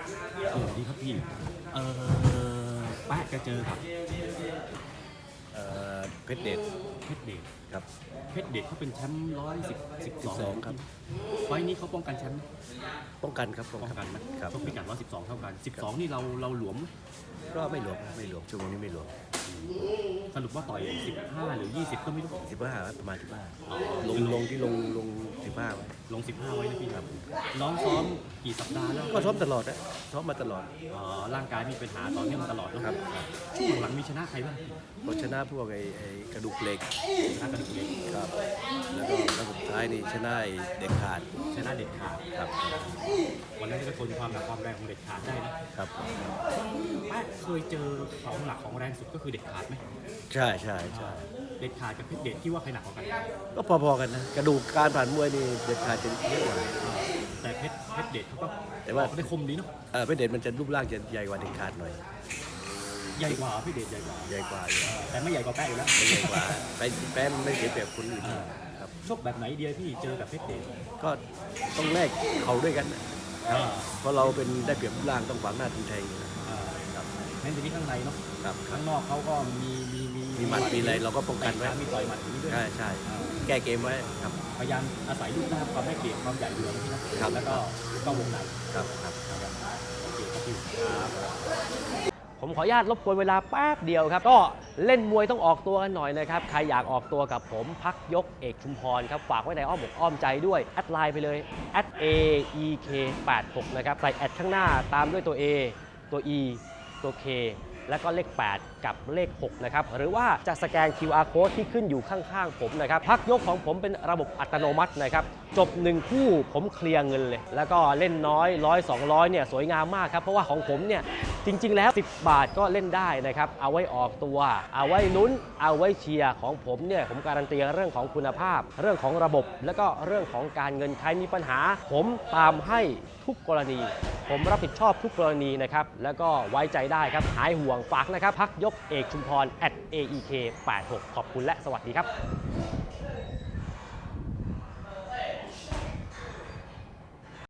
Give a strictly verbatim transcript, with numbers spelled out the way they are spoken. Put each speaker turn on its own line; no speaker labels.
สวัสดีครับพี่เออแป๊ะจะเจอกับ
เอ่อเพชรเดช
เพชรเดช
ครับ
เพชรเดชเขาเป็นแชมป์ร้อยสิบสิบสอง
สิบสองครับ
ไฟล์นี้เขาป้องกันแชมป์
ป้องกันครับป้อง
ป้อง
กัน
กันไหม
ครับ
ชกพิกัดร้อยสิบสองเท่ากันสิบสองนี่เราเราหลวมไหม
ก็ไม่หลวมไม่หลวมชั่วโมงนี้ไม่หลวม
สรุปว่าต่อยสิบห้าหรือยี่สิบก็ไม่รู้
สิบห้าประมาณสิบห้า
อ๋อ
ลงลงที่ลงลงสิบห้าไว้
ลงสิบห้าไว้นะพี่ครับน้องซ้อมกี่สัปดาห์แล้ว
ก็ซ้อมตลอดนะซ้อมมาตลอด
อ๋อร่างกายมีปัญหาต่อเนื่องมาตลอดเนอะ
ครับ
ช่วงหลังมีชนะใครบ้าง
ก็ชนะพวกไอ้ไอ้กระดูกเหล็ก
ชนะกระดูกเหล็ก
ครับแล้วก็แล้วสุดท้ายนี่ชนะไอ้เด็กขาด
ชนะเด็ดขาด
ครับ
วันนั้นก็ทนความหนักความแรงของเด็ดขาดได้นะครับ แป๊ะเคยเจอของหนักของแรงสุดก็คือเด็ดขาดไหม
ใช่ใช่ใช่
เด็ดขาดกับเพชรเดชที่ว่าใครหนักกว่ากัน
ก็พอๆกันนะกระดูกการผ่านมวยนี่เด็กขาดจะเยอะกว่า
แต่เพชรเพชรเดชเขาก็
แต่ว่า
ออกได้คมดีเนาะ
เออเพชรเดชมันจะรูปร่างจะใหญ่กว่าเด็กขาดหน่อย
ใหญ่กว่าเพชรเดชใหญ่กว่า
ใหญ่กว่าอยู่
แต่ไม่ใหญ่กว่าแป๊ะอยู่แล้ว
ใหญ่กว่าไปแป้มไม่เสียเปรียบคนอื่นครับ
ชกแบบไหนเดียพี่เจอกับเพชรเดช
ก็ต้องแลกเขาด้วยกันนะ
อ่า
เพราะเราเป็นได้เปรียบรูปร่างต้องขวางหน้าทีแทงอยู่แล้ว
อ่า
ครับ
แม้แต่ที่ข้างในเนาะ
ครับครั
ข้า
บ
งนอกเขาก็มีมีมี
มีหมัดมีอะไรเราก็ป้องกันไว้
แต่ขามีต่อยหมัดอย่างนี้ด้วย
ใช่ใช่
อ่า
แก้เกมไว้ครับ
พยายามอาศัยรูปร่างความได้เปรียบความใหญ่เหลืองที่นะครับ แล้วก็ก็วงใน
ครับครับครับ
โอเคครับพี่ครับ
ผมขออนุญาตรบกวนเวลาแป๊บเดียวครับ ก็เล่นมวยต้องออกตัวกันหน่อยนะครับ ใครอยากออกตัวกับผมพักยกเอกชุมพรครับ ฝากไว้ในอ้อมอกอ้อมใจด้วย แอดไลน์ไปเลย แอด เอ อี เค แปดหก นะครับ ใส่แอดข้างหน้าตามด้วยตัว A ตัว E ตัว K แล้วก็เลข แปด กับเลข หก นะครับ หรือว่าจะสแกน คิว อาร์ Code ที่ขึ้นอยู่ข้างๆผมนะครับ พักยกของผมเป็นระบบอัตโนมัตินะครับ จบหนึ่งคู่ผมเคลียร์เงินเลย แล้วก็เล่นน้อยร้อยสองร้อยเนี่ยสวยงามมากครับ เพราะว่าของผมเนี่ยจริงๆแล้วสิบบาทก็เล่นได้นะครับ เอาไว้ออกตัว เอาไว้ลุ้น เอาไว้เชียร์ของผมเนี่ยผมการันตีเรื่องของคุณภาพ เรื่องของระบบ แล้วก็เรื่องของการเงินใครมีปัญหา ผมตามให้ทุกกรณี ผมรับผิดชอบทุกกรณีนะครับ แล้วก็ไว้ใจได้ครับ หายห่วงฝากนะครับ พักยกเอกชุมพร แอท เอ อี เค แปดหก ขอบคุณและสวัสดีครับ